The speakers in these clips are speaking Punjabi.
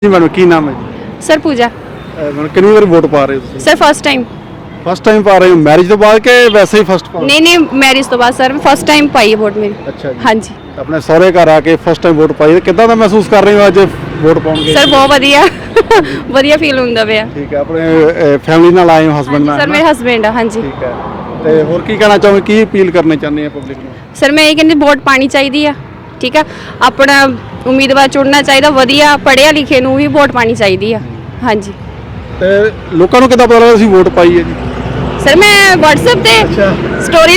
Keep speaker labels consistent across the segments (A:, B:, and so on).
A: जी मैडम की नाम है जी?
B: सर पूजा
A: मैडम कितनी बार वोट पा रहे हो?
B: सर
A: फर्स्ट टाइम पा रहे हो मैरिज तो बाद के वैसे ही फर्स्ट पा?
B: नहीं मैरिज तो बाद सर फर्स्ट टाइम पाई है वोट मेरी।
A: अच्छा जी।
B: हाँ जी
A: अपने सहुरे घर आके फर्स्ट टाइम वोट पाई कितना ਦਾ महसूस कर रहे हो ਅੱਜ ਵੋਟ ਪਾਉਣਗੇ?
B: सर बहुत ਵਧੀਆ ਵਧੀਆ ਫੀਲ ਹੁੰਦਾ ਪਿਆ।
A: ਠੀਕ ਹੈ ਆਪਣੇ ਫੈਮਿਲੀ ਨਾਲ ਆਏ ਹੋ ਹਸਬੰਡ ਨਾਲ?
B: ਸਰ ਮੇਰੇ ਹਸਬੈਂਡ ਆ। ਹਾਂਜੀ
A: ਠੀਕ ਹੈ ਤੇ ਹੋਰ ਕੀ ਕਹਿਣਾ ਚਾਹੋਗੇ ਕੀ ਅਪੀਲ ਕਰਨਾ ਚਾਹੁੰਦੇ ਆ ਪਬਲਿਕ ਨੂੰ?
B: ਸਰ ਮੈਂ ਇਹ ਕਹਿੰਦੀ ਵੋਟ ਪਾਣੀ ਚਾਹੀਦੀ ਆ। ਠੀਕ ਆ ਆਪਣਾ ਉਮੀਦਵਾਰ ਚੁਣਨਾ ਚਾਹੀਦਾ ਵਧੀਆ ਪੜ੍ਹਿਆ ਲਿਖੇ ਨੂੰ ਹੀ ਵੋਟ ਪਾਣੀ ਚਾਹੀਦੀ ਆ। ਹਾਂਜੀ
A: ਤੇ ਲੋਕਾਂ ਨੂੰ ਕਿੱਦਾਂ ਪਤਾ ਲੱਗਦਾ ਅਸੀਂ ਵੋਟ ਪਾਈ ਹੈ ਜੀ?
B: सर मैं व्हाट्सएप पे स्टोरी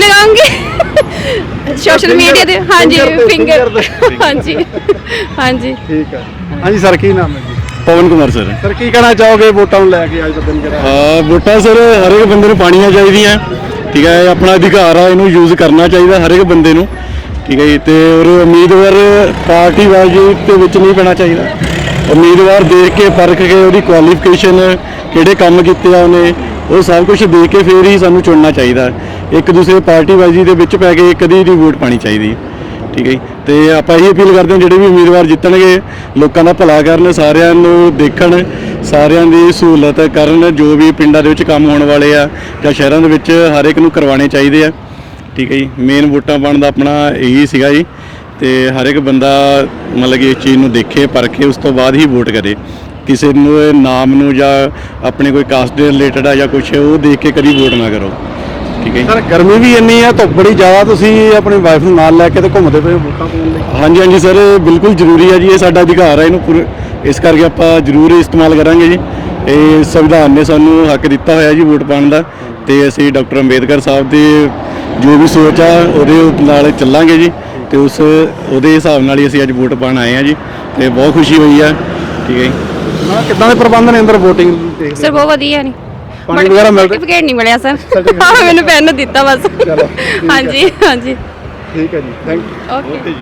B: लगाऊंगी सोशल मीडिया पे। हाँ जी फिंगर हाँ जी हाँ जी
A: ठीक है। हाँ जी सर की नाम है जी?
C: ਪਵਨ ਕੁਮਾਰ ਸਰ।
A: ਸਰ ਕੀ ਕਹਿਣਾ ਚਾਹੋਗੇ ਵੋਟਾਂ ਨੂੰ ਲੈ ਕੇ ਅੱਜ ਦਾ ਦਿਨ ਜਿਹੜਾ?
C: ਹਾਂ ਵੋਟਾਂ ਸਰ ਹਰੇਕ ਬੰਦੇ ਨੂੰ ਪਾਣੀਆਂ ਚਾਹੀਦੀਆਂ। ਠੀਕ ਹੈ ਆਪਣਾ ਅਧਿਕਾਰ ਆ ਇਹਨੂੰ ਯੂਜ਼ ਕਰਨਾ ਚਾਹੀਦਾ ਹਰੇਕ ਬੰਦੇ ਨੂੰ। ਠੀਕ ਹੈ ਜੀ ਤੇ ਔਰ ਉਮੀਦਵਾਰ ਪਾਰਟੀਬਾਜ਼ੀ ਦੇ ਵਿੱਚ ਨਹੀਂ ਪੈਣਾ ਚਾਹੀਦਾ। ਉਮੀਦਵਾਰ ਦੇਖ ਕੇ ਪਰਖ ਕੇ ਉਹਦੀ ਕੁਆਲੀਫਿਕੇਸ਼ਨ ਕਿਹੜੇ ਕੰਮ ਕੀਤੇ ਆ ਉਹਨੇ ਉਹ ਸਭ ਕੁਝ ਦੇਖ ਕੇ ਫਿਰ ਹੀ ਸਾਨੂੰ ਚੁਣਨਾ ਚਾਹੀਦਾ। ਇੱਕ ਦੂਸਰੇ ਪਾਰਟੀਬਾਜ਼ੀ ਦੇ ਵਿੱਚ ਪੈ ਕੇ ਕਦੀ ਨਹੀਂ ਵੋਟ ਪਾਣੀ ਚਾਹੀਦੀ। ਠੀਕ ਹੈ ਜੀ ਤੇ ਆਪਾਂ ਇਹ ਅਪੀਲ ਕਰਦੇ ਹਾਂ ਜਿਹੜੇ ਵੀ ਉਮੀਦਵਾਰ ਜਿੱਤਣਗੇ ਲੋਕਾਂ ਦਾ ਭਲਾ ਕਰਨ ਸਾਰਿਆਂ ਨੂੰ ਦੇਖਣ ਸਾਰਿਆਂ ਦੀ ਸਹੂਲਤ ਕਰਨ ਜੋ ਵੀ ਪਿੰਡਾਂ ਦੇ ਵਿੱਚ ਕੰਮ ਹੋਣ ਵਾਲੇ ਆ ਜਾਂ ਸ਼ਹਿਰਾਂ ਦੇ ਵਿੱਚ ਹਰ ਇੱਕ ਨੂੰ ਕਰਵਾਉਣੇ ਚਾਹੀਦੇ ਆ। ਠੀਕ ਹੈ ਜੀ ਮੇਨ ਵੋਟਾਂ ਪਾਉਣ ਦਾ ਆਪਣਾ ਇਹੀ ਸੀਗਾ ਜੀ ਤੇ ਹਰ ਇੱਕ ਬੰਦਾ ਮਤਲਬ ਕਿ ਇਸ ਚੀਜ਼ ਨੂੰ ਦੇਖੇ ਪਰਖੇ ਉਸ ਤੋਂ ਬਾਅਦ ਹੀ ਵੋਟ ਕਰੇ। ਕਿਸੇ ਨੂੰ ਨਾਮ ਨੂੰ ਜਾਂ ਆਪਣੇ ਕੋਈ ਕਾਸਟ ਦੇ ਰਿਲੇਟਡ ਆ ਜਾਂ ਕੁਛ ਉਹ ਦੇਖ ਕੇ ਕਦੀ ਵੋਟ ਨਾ ਕਰੋ। ਠੀਕ ਹੈ
A: ਸਰ ਗਰਮੀ ਵੀ ਇੰਨੀ ਆ ਧੁੱਪ ਬੜੀ ਜ਼ਿਆਦਾ ਤੁਸੀਂ ਆਪਣੀ ਵਾਈਫ ਨੂੰ ਨਾਲ ਲੈ ਕੇ ਤੇ ਘੁੰਮਦੇ ਪਏ ਵੋਟਾਂ ਪਾਉਣ ਲਈ?
C: ਹਾਂਜੀ ਹਾਂਜੀ ਸਰ ਬਿਲਕੁਲ ਜ਼ਰੂਰੀ ਹੈ ਜੀ ਇਹ ਸਾਡਾ ਅਧਿਕਾਰ ਹੈ ਇਹਨੂੰ ਇਸ ਕਰਕੇ ਆਪਾਂ ਜ਼ਰੂਰ ਇਸਤੇਮਾਲ ਕਰਾਂਗੇ ਜੀ। ਇਹ ਸੰਵਿਧਾਨ ਨੇ ਸਾਨੂੰ ਹੱਕ ਦਿੱਤਾ ਹੋਇਆ ਜੀ ਵੋਟ ਪਾਉਣ ਦਾ ਤੇ ਅਸੀਂ ਡਾਕਟਰ ਅੰਬੇਦਕਰ ਸਾਹਿਬ ਦੀ ਜੋ ਵੀ ਸੋਚ ਆ ਉਹਦੇ ਨਾਲ ਚੱਲਾਂਗੇ ਜੀ ਤੇ ਉਹਦੇ ਹਿਸਾਬ ਨਾਲ ਹੀ ਅਸੀਂ ਅੱਜ ਵੋਟ ਪਾਉਣ ਆਏ ਹਾਂ ਜੀ ਤੇ ਬਹੁਤ ਖੁਸ਼ੀ ਹੋਈ ਆ। ਠੀਕ ਹੈ ਜੀ
A: ਨਾ ਕਿੱਦਾਂ ਦੇ ਪ੍ਰਬੰਧ ਨੇ ਅੰਦਰ VOTING ਦੇ?
B: ਸਰ ਬਹੁਤ ਵਧੀਆ ਨਹੀਂ
A: ਪਾਣੀ ਵਗੈਰਾ ਮਿਲਦਾ?
B: ਸਰਟੀਫਿਕੇਟ ਨਹੀਂ ਮਿਲਿਆ ਸਰ ਮੈਨੂੰ ਪੈਨ ਦਿੱਤਾ ਬਸ।
A: ਚਲੋ
B: ਹਾਂਜੀ ਹਾਂਜੀ
A: ਠੀਕ ਹੈ ਜੀ ਥੈਂਕ ਯੂ।
B: ਓਕੇ